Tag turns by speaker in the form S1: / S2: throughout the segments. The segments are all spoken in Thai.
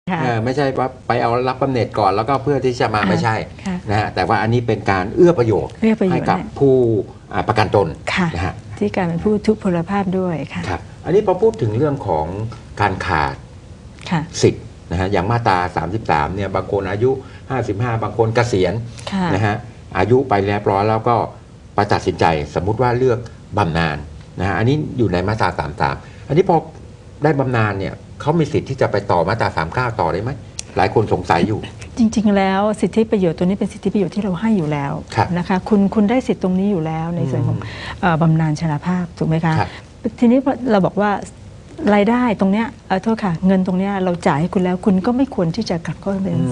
S1: ไม่ใช่ว่าไปเอารับบำเหน็จก่อนแล้วก็เพื่อที่จะมาไม่ใช่
S2: ค่ะ
S1: นะฮะแต่ว่าอันนี้เป็นการเอื้อประโยชน์ให้กับผู้ประกันตน
S2: ค่ะ
S1: นะฮะ
S2: ที่การเป็นผู้ทุพพลภาพด้วยค่ะ
S1: ครับอันนี้พอพูดถึงเรื่องของการขาด
S2: ค่ะ
S1: สิทธิ์นะฮะอย่างมาตรา 33เนี่ยบางคนอายุ 55 บางคนเกษียณ
S2: ค่ะ
S1: นะฮะอายุไปแล้วร้อยแล้วก็ไปตัดสินใจสมมุติว่าเลือกบำนาญนะฮะอันนี้อยู่ในมาตรา 33อันนี้พอได้บำนาญเนี่ยเขามีสิทธิ์ที่จะไปต่อมาตรา 39 ต่อได้ไหมหลายคนสงสัยอยู่
S2: จริงๆแล้วสิทธิประโยชน์ตัวนี้เป็นสิทธิประโยชน์ที่เราให้อยู่แล้ว
S1: ครับ
S2: นะคะคุณได้สิทธิตรงนี้อยู่แล้วในส่วนของบำนาญชราภาพถูกไหมคะ
S1: ครับ
S2: ทีนี้เราบอกว่ารายได้ตรงเนี้ยโทษค่ะเงินตรงเนี้ยเราจ่ายให้คุณแล้วคุณก็ไม่ควรที่จะกลับเข้าเป็น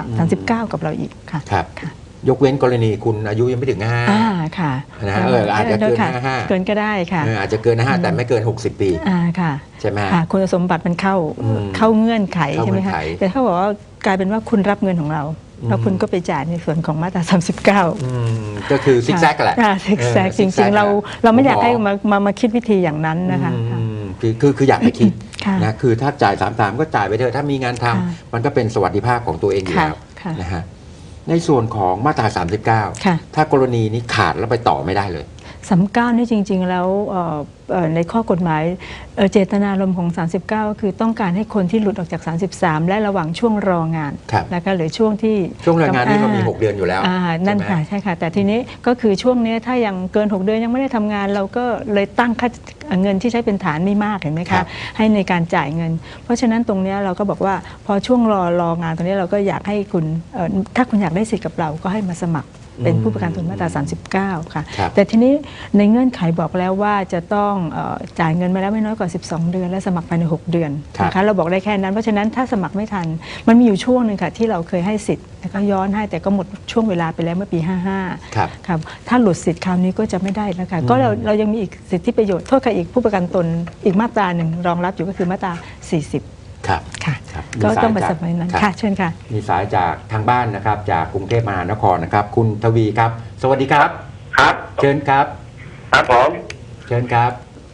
S2: 39กับเราอีกค่ะ
S1: ครับ
S2: ค่ะ
S1: ยกเว้นกรณีคุณอายุยังไม่ถึง5
S2: ค่ะ
S1: นะฮะอาจจะเกิน
S2: ค่ะ
S1: 55
S2: เกินก็ได้ค่ะ
S1: อาจจะเกิน5แต่ไม่เกิน60 ปี
S2: ค่ะ
S1: ใช่ไหม
S2: ค่ะคุณสมบัติมันเข้าเงื่อนไขใช่ไหมคะแต่ถ้าบอกว่ากลายเป็นว่าคุณรับเงินของเราแล้วคุณก็ไปจ่ายในส่วนของมาตรา39
S1: ก็คือซิกแซกแหละ
S2: ซิกแซกจริงๆเราไม่อยากให้มาคิดวิธีอย่างนั้นนะคะ
S1: คืออยากให้คิด
S2: ค่ะ
S1: นะคือถ้าจ่าย33ก็จ่ายไปเถอะถ้ามีงานทำมันก็เป็นสวัสดิภาพของตัวเองอยู่แล้ว
S2: ค่ะ
S1: นะฮะในส่วนของมาตรา
S2: ค่ะ
S1: 39ถ้ากรณีนี้ขาดแล้วไปต่อไม่ได้เลย
S2: 39นี่จริงๆแล้วในข้อกฎหมายเจตนารมณ์ของ39ก็คือต้องการให้คนที่หลุดออกจาก33และระหว่างช่วงรองาน
S1: ครับ
S2: นะคะหรือช่วงที่
S1: ช่วงแรงงานนี่เรามี 6 เดือนอยู่แล้ว
S2: นั่น
S1: ใช่ไหม
S2: ค่ะใช่ค่ะแต่ทีนี้ก็คือช่วงนี้ถ้ายังเกิน6 เดือนยังไม่ได้ทำงานเราก็เลยตั้งค่าเงินที่ใช้เป็นฐานไม่มากเห็นไหม
S1: ครั
S2: คะ
S1: บ
S2: ให้ในการจ่ายเงิน เพราะฉะนั้นตรงนี้เราก็บอกว่าพอช่วงรองานตรงนี้เราก็อยากให้คุณถ้าคุณอยากได้สิทธิ์กับเราก็ให้มาสมัครเป็นผู้ประกันตนมาตรา39ค่ะ
S1: ครับ
S2: แต่ทีนี้ในเงื่อนไขบอกแล้วว่าจะต้องจ่ายเงินมาแล้วไม่น้อยกว่า12 เดือนและสมัครภายใน6 เดือนนะคะเราบอกได้แค่นั้นเพราะฉะนั้นถ้าสมัครไม่ทันมันมีอยู่ช่วงหนึ่งค่ะที่เราเคยให้สิทธิ์แล้วก็ย้อนให้แต่ก็หมดช่วงเวลาไปแล้วเมื่อปี55
S1: ครับ
S2: ครับถ้าหลุดสิทธิ์คราวนี้ก็จะไม่ได้แล้วค่ะก็เรายังมีอีกสิทธิประโยชน์โทษค่ะอีกผู้ประกันตนอีกมาตราหนึ่งรองรับอยู่ก็คือมาตรา40
S1: ครับ
S2: ค่ะ
S1: ครับ
S2: ก็
S1: มีสาย
S2: ต้องไป
S1: จาก
S2: สมัยนั้น
S1: ครับ
S2: ค่ะเชิญค่ะ
S1: มีสายจากทางบ้านนะครับจากกรุงเทพมหานครนะครับคุณทวีครับ สวัสดีครับ
S3: ครับ
S1: เชิญครับ
S3: ครับผม
S1: เชิญครับ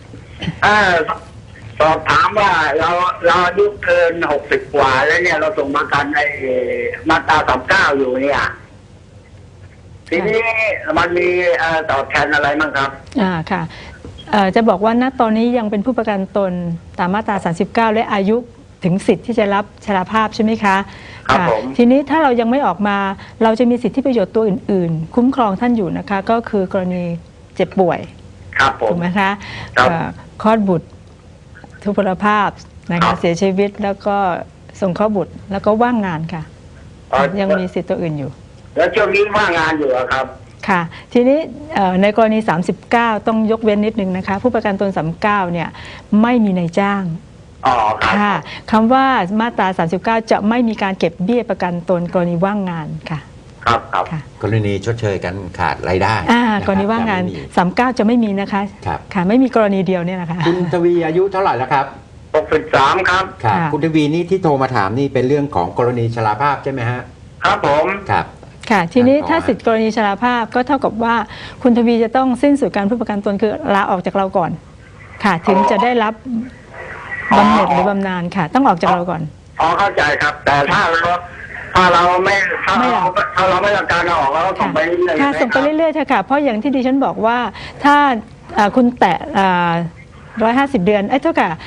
S3: สอบถามว่าเราอายุเกิน60 กว่าแล้วเนี่ยเราส่งประกันในมาตรา39อยู่เนี่ยทีนี้มันมีตอบแทนอะไรบ้างครับ
S2: ค่ะจะบอกว่าณตอนนี้ยังเป็นผู้ประกันตนตามมาตรา39และอายุถึงสิทธิ์ที่จะรับชราภาพใช่ไหมคะ
S3: ครับ
S2: ค่ะ
S3: ผม
S2: ทีนี้ถ้าเรายังไม่ออกมาเราจะมีสิทธิประโยชน์ตัวอื่นๆ คุ้มครองท่านอยู่นะคะก็คือกรณีเจ็บป่วย
S3: ครับผม
S2: ถูกไหมคะ
S3: ครับ
S2: คลอดบุตรทุพพลภาพนะ
S3: ครั
S2: คะ
S3: บ
S2: เสียชีวิตแล้วก็ส่งเข้าบุตรแล้วก็ว่างงานค่ะ ยังมีสิทธิ์ตัวอื่นอยู่
S3: แล้วช่วงนี้ว่างงานอยู่อะครับ
S2: ค่ะทีนี้ในกรณี39ต้องยกเว้นนิดนึงนะคะผู้ประกันตน39เนี่ยไม่มีนายจ้าง
S3: อ๋อครับ
S2: ค่ะคำว่ามาตรา39จะไม่มีการเก็บเบี้ยประกันตนกรณีว่างงานค่ะ
S3: ครับครับ
S2: ค่ะ
S1: กรณีชดเชยกันขาดรายได้ะคบ
S2: กรณีว่างงาน
S1: จะไม่มี
S2: 39จะไม่มีนะคะ
S1: ครับ
S2: ค่ะไม่มีกรณีเดียวเนี่ยนะคะ
S1: คุณทวีอายุเท่าไหร่แล้วครับ
S3: 63ครับ
S1: ครับ
S2: ค่ะ
S1: คุณทวีนี่ที่โทรมาถามนี่เป็นเรื่องของกรณีชราภาพใช่ไหมฮะ
S3: ครับผม
S1: ครับ
S2: ค่ะทีนี้
S1: ต่อ
S2: ถ้าสิทธิกรณีชราภาพก็เท่ากับว่าคุณทวีจะต้องสิ้นสุดการผู้ประกันตนคือลาออกจากเราก่อนค่ะถึงจะได้รับบำเหน็จหรือบำนาญค่ะ ต้องออกจากเราก่อน
S3: อ๋อเข้าใจครับ แต่ถ้าเราไม่ถ้าเราไม่ต้องการเอาออกเราก็ส่งไปเรื่อยๆ
S2: ค่ะ
S3: ใช่หม
S2: ส่งไป
S3: ครับ
S2: เรื่อยๆเถอะค่ะเพราะอย่างที่ดิฉันบอกว่าถ้าคุณแตะ150 เดือนเท่ากับ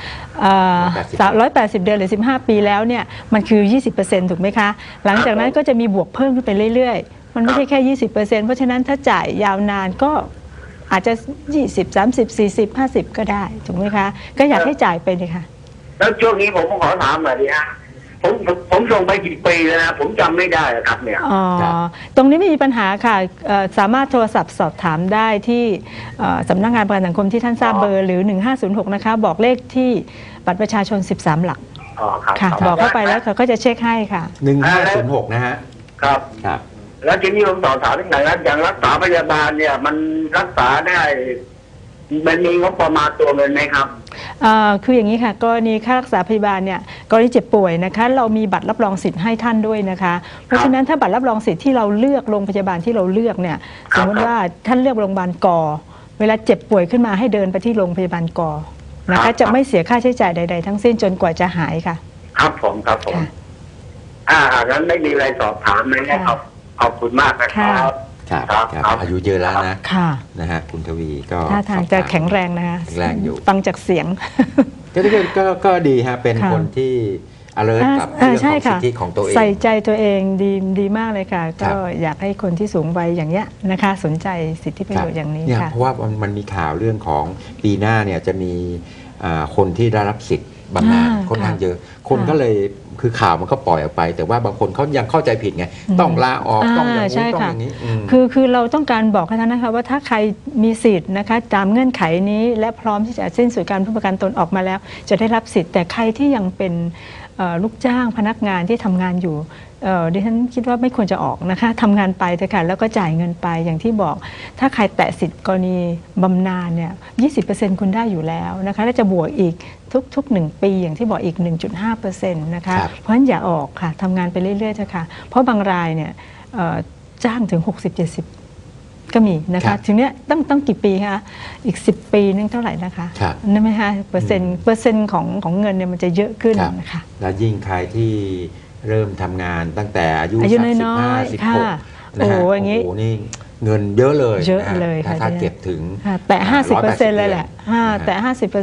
S2: 180 เดือนหรือ 15 ปีแล้วเนี่ยมันคือ 20%ถูกไหมคะหลังจากนั้นก็จะมีบวกเพิ่มขึ้นไปเรื่อยๆมันไม่ใช่แค่ 20%เพราะฉะนั้นถ้าจ่ายยาวนานก็อาจจะ 20 30 40 50 ก็ได้ถูกไหมคะก็อยากให้จ่ายไปเลยค่ะ
S3: แล้วช่วงนี้ผมขอถามหน่อยดิฮะผมส่งไปกี่ปีแล้วนะผมจำไม่ได้อะครับเนี่ย
S2: อ๋อ
S1: ครับ
S2: ตรงนี้ไม่มีปัญหาค่ะสามารถโทรศัพท์สอบถามได้ที่สำนักงานประกันสังคมที่ท่านทราบเบอร์หรือ 1506 นะคะ บอกเลขที่บัตรประชาชน 13 หลัก
S3: อ๋อครับ
S2: ค่ะ บอกเข้าไปแล้วเขาก็จะเช็คให้ค่ะ
S1: 1506นะฮะ
S3: ครับ
S1: ครับ
S3: แล้วทีนี้ผมต่อถามอีกหน่อยนะอย่างรักษาพยาบาลเนี่ย มันรักษาได้มันมีงบประมาณตัวเงินไหมครับ
S2: คืออย่างนี้ค่ะกรณีค่ารักษาพยาบาลเนี่ยกรณีเจ็บป่วยนะคะเรามีบัตรรับรองสิทธิ์ให้ท่านด้วยนะคะ เพราะฉะนั้นถ้าบัตรรับรองสิทธิ์ที่เราเลือกโรงพยาบาลที่เราเลือกเนี่ย
S3: ค
S2: ส
S3: รับ
S2: มมติว่าท่านเลือกโรงพยาบาลกเวลาเจ็บป่วยขึ้นมาให้เดินไปที่โรงพยาบาลกนะ
S3: ครั
S2: คะ
S3: บ
S2: จะไม่เสียค่าใช้จ่ายใดๆทั้งสิ้นจนกว่าจะหายค่ะ
S3: ครับผมครับผม
S2: ค่ะ
S3: งั้นไม่มีอะไรสอบถามเลยนะขอบคุณมากนะครับ
S1: ครับอายุเยอะแล้วนะ
S2: ค่ะ
S1: นะฮะคุณทวีก็
S2: ท่าทางจะแข็งแรงนะคะ
S1: แข็งแรงอยู่
S2: ฟังจากเสียง
S1: ก็ดีฮะเป็น
S2: ค่ะ
S1: คนที่ alert กับเรื่องของสิทธิของตัวเอง
S2: ใส่ใจตัวเองดีมากเลยค่ะ
S1: ครั
S2: ก็
S1: บ
S2: อยากให้คนที่สูงวัยอย่างเนี้ยนะคะ สนใจสิทธิประโยชน์อย่างนี้
S1: เนี่ย
S2: ค่ะ
S1: เพราะว่ามันมีข่าวเรื่องของปีหน้าเนี่ยจะมีคนที่ได้รับสิทธิ์บำนาญค่อนข้างเยอะ คนก็เลยคือข่าวมันก็ปล่อยออกไป แต่ว่าบางคนเขายังเข้าใจผิดไงต้องลาออกต้องอย่าง
S2: ใช่
S1: นี้ต้อง
S2: ค่ะ
S1: อย่างนี้
S2: คือเราต้องการบอกให้ท่านนะคะว่าถ้าใครมีสิทธิ์นะคะตามเงื่อนไขนี้และพร้อมที่จะสิ้นสุดการผู้ประกันตนออกมาแล้ว จะได้รับสิทธิ์แต่ใครที่ยังเป็นลูกจ้างพนักงานที่ทำงานอยู่ดิฉันคิดว่าไม่ควรจะออกนะคะทำงานไปเถอะค่ะแล้วก็จ่ายเงินไปอย่างที่บอก ถ้าใครแตะสิทธิ์กรณีบำนาญเนี่ย 20% คุณได้อยู่แล้วนะคะและจะบวกอีกทุก1 ปีอย่างที่บอกอีก 1.5% นะคะ
S1: ครับ
S2: เพราะฉะนั้นอย่าออกค่ะทำงานไปเรื่อยๆเถอะค่ะเพราะบางรายเนี่ยจ้างถึง 60-70 ก็มีนะ
S1: ครั
S2: คะ
S1: บ
S2: ถึงเนี้ยต้องกี่ปีคะอีก 10 ปีนึงเท่าไหร่นะคะ
S1: ครับ
S2: นั่นไหมคะเปอร์เซ็นต์ของเงินเนี่ยมันจะเยอะขึ้น
S1: ครับ
S2: นะคะ
S1: และยิ่งใครที่เริ่มทำงานตั้งแต่อายุ
S2: อายุ
S1: สัก
S2: น้อยๆ
S1: 15
S2: ค่ะ
S1: 16นะฮะ
S2: โอ้อย่างงี้
S1: โอ้โหนี่เงินเยอะเลย
S2: เยอะ
S1: นฮ
S2: เลยค่ะ
S1: ถ้า
S2: เนี่ย
S1: เก็บถึง
S2: ค่ะแต่ 50% เลยแหละ
S1: นะฮะ
S2: แต่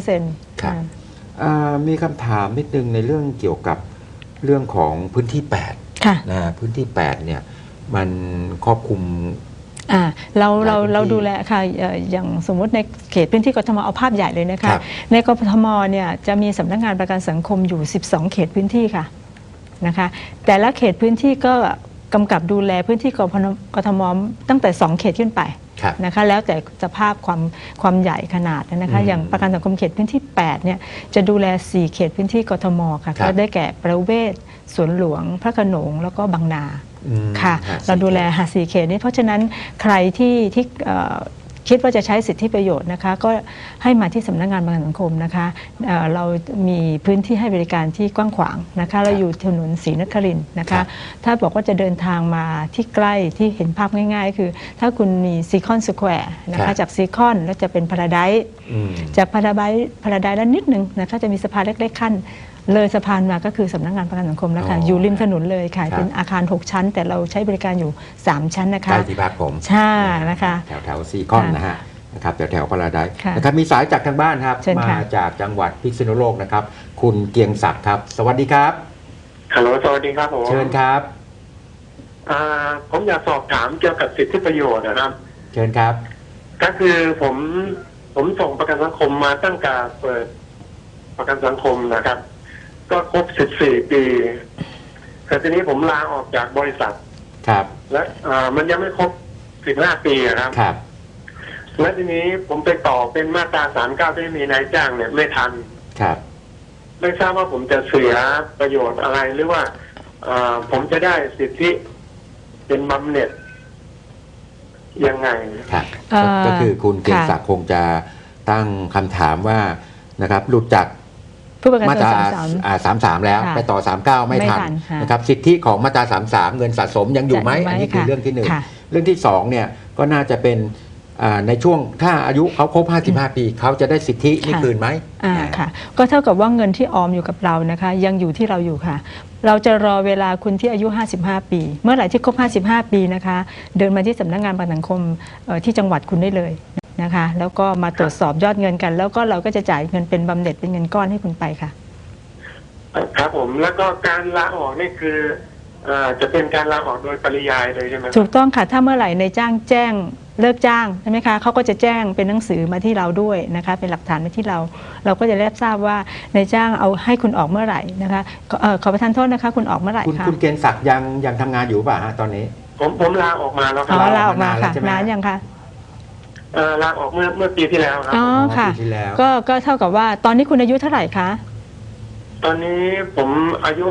S2: 50%
S1: ครับ มีคำถามนิดนึงในเรื่องเกี่ยวกับเรื่องของพื้นที่
S2: ค่ะ
S1: 8นะพื้นที่ 8เนี่ยมันครอบคลุม
S2: เรา
S1: หลายพื้นที่
S2: ดูแลค่ะอย่างสมมติในเขตพื้นที่กทมเอาภาพใหญ่เลยนะ
S1: ครั
S2: คะ
S1: บ
S2: ในกทมเนี่ยจะมีสำนักงานประกันสังคมอยู่ 12 เขตพื้นที่ค่ะนะคะแต่ละเขตพื้นที่ก็กำกับดูแลพื้นที่กทมตั้งแต่ 2 เขตขึ้นไป
S1: ครับ
S2: นะคะแล้วแต่สภาพความใหญ่ขนาดนะคะ
S1: อืม
S2: อย่างประกันสังคมเขตพื้นที่ 8เนี่ยจะดูแล 4 เขตพื้นที่กทมค่ะ
S1: ครับ
S2: ก็ได้แก่ประเวศสวนหลวงพระโขนงแล้วก็บางนา
S1: อืม
S2: ค่ะ
S1: ฮะ
S2: เราดูแลหา4 เขตนี้เพราะฉะนั้นใครที่คิดว่าจะใช้สิทธิประโยชน์นะคะก็ให้มาที่สำนักงานประกันสังคมนะคะเรามีพื้นที่ให้บริการที่กว้างขวางนะคะเราอยู่ถนนศรีนครินทร์นะ
S1: ครั
S2: คะ
S1: บ
S2: ถ้าบอกว่าจะเดินทางมาที่ใกล้ที่เห็นภาพง่ายๆ คือ ถ้าคุณมีซีคอนสแควร์นะคะจากซีคอนแล้วจะเป็นพาราไดซ์
S1: อืม
S2: จากพาราไดซ์แล้วนิดนึงนะคะจะมีสะพานเล็กๆขั้นเลยสะพานมาก็คือสำนักงานประกันสังคมแล้วค่ะ
S1: อ๋อ
S2: อ
S1: อ
S2: ยู่ริมถนนเลยค่ะ
S1: ครับ
S2: เป็นอาคาร 6 ชั้น แต่เราใช้บริการอยู่ 3 ชั้นนะ
S1: ใก
S2: คะ
S1: ล้ที่พักผม
S2: ใช่นะคะ
S1: แถวซีคอนนะฮะนะครับแถวพาราไดซ์
S2: ค่ะ
S1: นะครับมีสายจากทางบ้านครับ
S2: เชิญค่ะ
S1: มาจากจังหวัดพิษณุโลกนะครับ คุณเกียงศักดิ์ครับ สวัสดีครับ
S4: ฮัลโหล สวัสดีครับผม
S1: เชิญครับ
S4: ผมอยากสอบถามเกี่ยวกับสิทธิประโยชน์นะครับ
S1: เชิญครับ
S4: ก็คือผมส่งประกันสังคมมาตั้งแต่เปิดประกันสังคมนะครับ ก็ครบ 14 ปีแต่ทีนี้ผมลาออกจากบริษัท
S1: ครับ
S4: และมันยังไม่ครบ 15 ปีอะครับ
S1: ครับ
S4: และทีนี้ผมไปต่อเป็นมาตรา 39 ที่มีนายจ้างเนี่ยไม่ทัน
S1: ครับ
S4: ไม่ทราบว่าผมจะเสียประโยชน์อะไรหรือว่าผมจะได้สิทธิเป็นบำเหน็จยังไง
S1: ครับ
S2: เอ่อ
S1: ก็คือคุณเกียง
S2: ค่ะ
S1: ศักดิ์คงจะตั้งคำถามว่านะครับหลุดจาก
S2: ผู้ประกัน
S1: มา
S2: ต
S1: ต
S2: น
S1: รา
S2: 33
S1: 33 แล้ว
S2: ค่ะ
S1: ไปต่อ 39 ไม่ทัน
S2: ไม่ทันค่ะ
S1: นะครับสิทธิของมาตรา 33 เงินสะสมยังอยู่ไหม
S2: จะอยู่ไหม
S1: อันนี้คือ
S2: ค่ะ
S1: เรื่องที่หนึ่ง
S2: ค่ะ
S1: เรื่องที่สองเนี่ยก็น่าจะเป็นในช่วงถ้าอายุเขาครบ 55 ปีเขาจะได้สิทธินี่คืนไหม
S2: ค่ะก็เท่ากับว่าเงินที่ออมอยู่กับเรานะคะยังอยู่ที่เราอยู่ค่ะ เราจะรอเวลาคุณที่อายุ 55 ปี เมื่อไหร่ที่ครบ 55 ปีนะคะเดินมาที่สำนักงานประกันสังคมที่จังหวัดคุณได้เลยนะคะแล้วก็มาตรวจสอบยอดเงินกัน แล้วก็เราก็จะจ่ายเงินเป็นบำเหน็จเป็นเงินก้อนให้คุณไปค่ะ
S4: ครับผมแล้วก็การลาออกนี่คือจะเป็นการลาออกโดยปริยายเลยใช่ไหม
S2: ถูกต้องค่ะถ้าเมื่อไหร่ในจ้างแจ้งเลิกจ้างใช่ไหมคะเขาก็จะแจ้งเป็นหนังสือมาที่เราด้วยนะคะเป็นหลักฐานมาที่เราก็จะได้ทราบว่าในจ้างเอาให้คุณออกเมื่อไหร่นะคะขอประทานโทษนะคะคุณออกเมื่อไหร่
S1: คุณ
S2: คะ
S1: คุณเกียงศักดิ์ยังทำงานอยู่ป่ะฮะตอนนี้
S4: ผมลาออกมาแล้วค
S2: อ๋
S4: รั
S2: อบ ลาออกมาค่ะ
S1: นานแล้วใช่ไหม
S2: นานยังคะ
S4: ลาออกเมื่อปีที่แล้วครับ
S2: อ๋อค่ะ
S1: ปีที่แล้ว
S2: ก็เท่ากับว่าตอนนี้คุณอายุเท่าไหร่คะ
S4: ตอนนี้ผมอายุ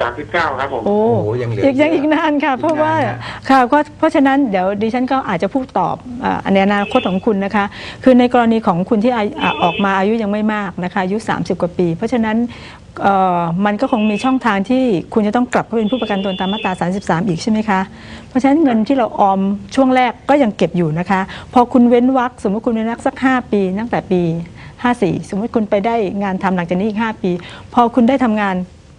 S4: 39 ครับผม
S2: โอ้
S1: โอ้โหยังเหลืออีก
S2: อีกนานค่ะ เพราะว่า
S1: อีกนานนะ
S2: ค่ะเพราะฉะนั้นเดี๋ยวดิฉันก็อาจจะพูดตอบในอนาคตของคุณนะคะ คือในกรณีของคุณที่ออกมาอายุยังไม่มากนะคะอายุ30 กว่าปี เพราะฉะนั้นมันก็คงมีช่องทางที่คุณจะต้องกลับเข้าเป็นผู้ประกันตนตามมาตรา33อีกใช่ไหมคะเพราะฉะนั้นเงินที่เราออมช่วงแรกก็ยังเก็บอยู่นะคะพอคุณเว้นวรรคสมมติคุณเว้นวรรคสัก5 ปีตั้งแต่ปี54สมมติคุณไปได้งานทำหลังจากนี้อีก5 ปี พอคุณได้ทำงาน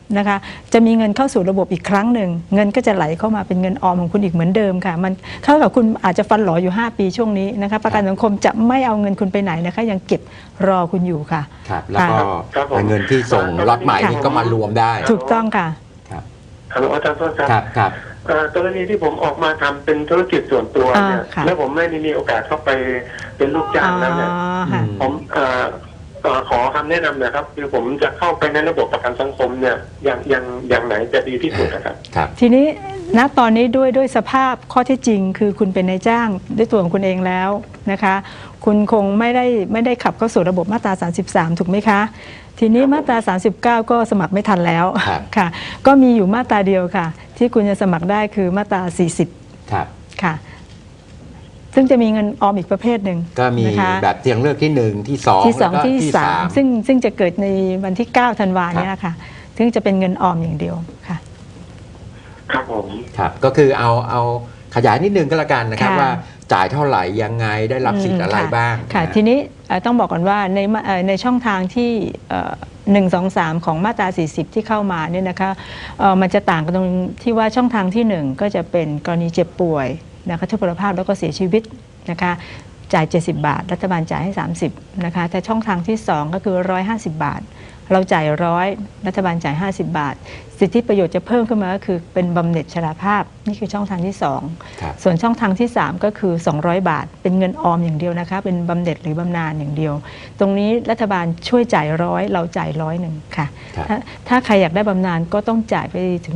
S2: นะคะจะมีเงินเข้าสู่ระบบอีกครั้งหนึ่งเงินก็จะไหลเข้ามาเป็นเงินออมของคุณอีกเหมือนเดิมค่ะมันเท่ากับคุณอาจจะฟันหลออยู่5 ปีช่วงนี้นะคะประกันสังคมจะไม่เอาเงินคุณไปไหนนะคะยังเก็บรอคุณอยู่ค่ะ
S1: ครับแล้วก็
S4: ครับผม
S1: เงินที่ส่งล็อตใหม่นี่ก็มารวมได้
S2: ถูกต้องค่ะ
S1: ครับ
S4: ฮัลโหลอาจารย์โทษครับ
S1: ครับครับ
S4: กรณีที่ผมออกมาทำเป็นธุรกิจส่วนตัวเนี่ย
S2: ค่ะ
S4: แล้วผมไม่ได้มีโอกาสเข้าไปเป็นลูกจ้างแล้วเนี่ย
S2: ค่ะ
S4: ผมขอคำแนะนำหนะครับคือผมจะเข้าไปในระบบประกันสังคมเนี่ยอย่างไหนจะดีที่สุดนะครับ
S1: ครับ
S2: ทีนี้ณตอนนี้ด้วยสภาพข้อเท็จจริง คือคุณเป็นนายจ้างด้วยตัวของคุณเองแล้วนะคะ คุณคงไม่ได้ขับเข้าสู่ระบบมาตรา 33 ถูกไหมคะ ทีนี้มาตรา 39 ก็สมัครไม่ทันแล้ว
S1: ครับ
S2: ค่ะ ก็มีอยู่มาตราเดียวค่ะ ที่คุณจะสมัครได้คือมาตรา 40
S1: ครับ
S2: ค่ะ ซึ่งจะมีเงินออมอีกประเภทหนึ่ง
S1: ก็มี
S2: นะคะ
S1: แบบเตียงเลือกที่1ที่2
S2: ที่สอง
S1: แล้วก็
S2: ที่สาม
S1: 3
S2: ซึ่งจะเกิดในวันที่ 9 ธันวาเนี่ยค่ะ ซึ่งจะเป็นเงินออมอย่างเดียวค่ะ
S4: ครับผม
S1: ครับก็คือเอาขยายนิดนึงก็แล้วกันนะครับ
S2: ค่ะ
S1: ว่าจ่ายเท่าไหร่ยังไงได้รับสิทธิ์อะไร
S2: ค่ะ
S1: บ้าง
S2: ค่ะ
S1: นะ
S2: ทีนี้ต้องบอกก่อนว่าในช่องทางที่1 2 3 ของมาตรา 40 ที่เข้ามาเนี่ยนะคะมันจะต่างกันตรงที่ว่าช่องทางที่ 1 ก็จะเป็นกรณีเจ็บป่วยนะคะทุพพลภาพแล้วก็เสียชีวิตนะคะจ่าย 70 บาท รัฐบาลจ่ายให้ 30นะคะแต่ช่องทางที่ 2 ก็คือ 150 บาท เราจ่าย100รัฐบาลจ่าย50 บาท สิทธิประโยชน์จะเพิ่มขึ้นมาก็คือเป็นบำเหน็จชราภาพนี่คือช่องทางที่
S1: ครับ
S2: 2 ส่วนช่องทางที่ 3 ก็คือ 200 บาท เป็นเงินออมอย่างเดียวนะคะเป็นบำเหน็จหรือบำนาญอย่างเดียว ตรงนี้รัฐบาลช่วยจ่าย100เราจ่าย100ค่ะ
S1: ครับ
S2: ถ้าใครอยากได้บำนาญก็ต้องจ่ายไปถึง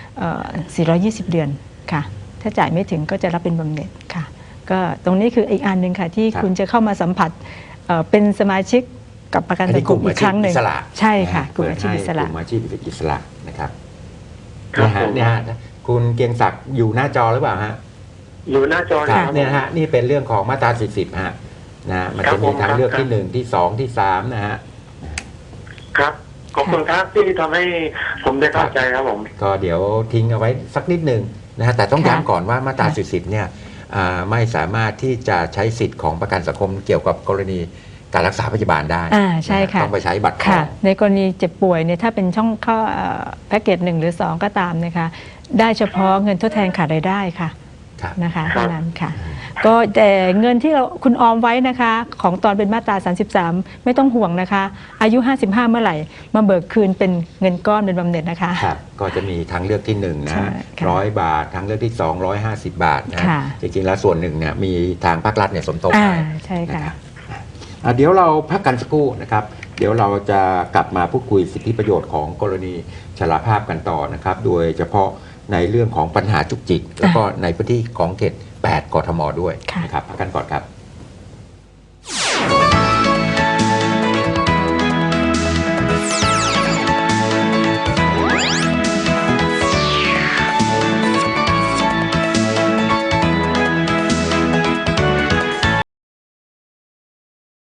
S2: 420 เดือนค่ะถ้าจ่ายไม่ถึงก็จะรับเป็นบำเหน็จค่ะก็ตรงนี้คืออีกอันหนึ่งค่ะที่
S1: ครับ
S2: คุณจะเข้ามาสัมผัสเป็นสมาชิกกับประกัน
S1: อัน
S2: สั
S1: นี้
S2: ง
S1: ก
S2: ค
S1: ลุ่
S2: ม
S1: ม
S2: อี
S1: อาก
S2: ค
S1: ชีพ
S2: รั้งหนึ่ง
S1: อิสระ
S2: ใช่ค่ะ
S1: นฮ
S2: กลุ่มอาชีพอิสระ
S1: เปิดให้กลุ่มอาชีพอิสระนะครับ
S4: ครับ
S1: เนี่ยฮะ
S4: ผม
S1: เนี่ยฮะคุณเกรียงศักดิ์อยู่หน้าจอหรือเปล่าฮะ
S4: อยู่หน้าจอ
S1: ครับ
S4: ครับ
S1: เนี่ยนะฮะนี่เป็นเรื่องของมาตรา 40ฮะนะมัน
S4: ครั
S1: จะ
S4: บ
S1: มี
S4: ผม
S1: ทางเลือก
S4: ครับ
S1: ที่1ที่2ที่3นะฮะ
S4: ครับขอบคุณครับที่ทำให้ผมได้เข้าใจครับผม
S1: ก็เดี๋ยวทิ้งเอาไว้สักนิดหนึ่งนะฮะแต่ต้อง
S2: ค่ะ
S1: ย้ำก่อนว่ามาตรา
S2: ค่ะ
S1: 40เนี่ยไม่สามารถที่จะใช้สิทธิ์ของประกันสังคมเกี่ยวกับกรณีการรักษาพยาบาลได้
S2: ใช่ค่ะ
S1: ต้องไปใช้บัตรทอ
S2: ค่ะ
S1: ง
S2: ในกรณีเจ็บป่วยเนี่ยถ้าเป็นช่องข้อแพ็กเกจ1หรือ 2 ก็ตามนะคะได้เฉพาะเงินทดแทนขาดรายได้ค่ะ
S1: ครับ
S2: นะคะ
S4: ครับ
S2: เท่านั้นค่ะ ก็แต่เงินที่คุณออมไว้นะคะของตอนเป็นมาตรา 33 ไม่ต้องห่วงนะคะ อายุ 55 เมื่อไหร่มาเบิกคืนเป็นเงินก้อนเป็นบำเหน็จนะคะ
S1: ครับก็จะมีทางเลือกที่1นะ
S2: ใช่ค่ะ
S1: 100 บาททางเลือกที่2 150 บาทนะ
S2: ค่ะ
S1: จริงๆแล้วส่วนหนึ่งเนี่ยมีทางภาครัฐเนี่ยสมทบให้
S2: ใช่ค่ะ
S1: นะครับเดี๋ยวเราพักกันสักครู่นะครับ เดี๋ยวเราจะกลับมาพูดคุยสิทธิประโยชน์ของกรณีชราภาพกันต่อนะครับ โดยเฉพาะในเรื่องของปัญหาจุกจิก แล้วก็ในพื้นที่ของเขต 8 กทมด้วย
S2: ค่ะ
S1: นะครับพักกันก่อนครับ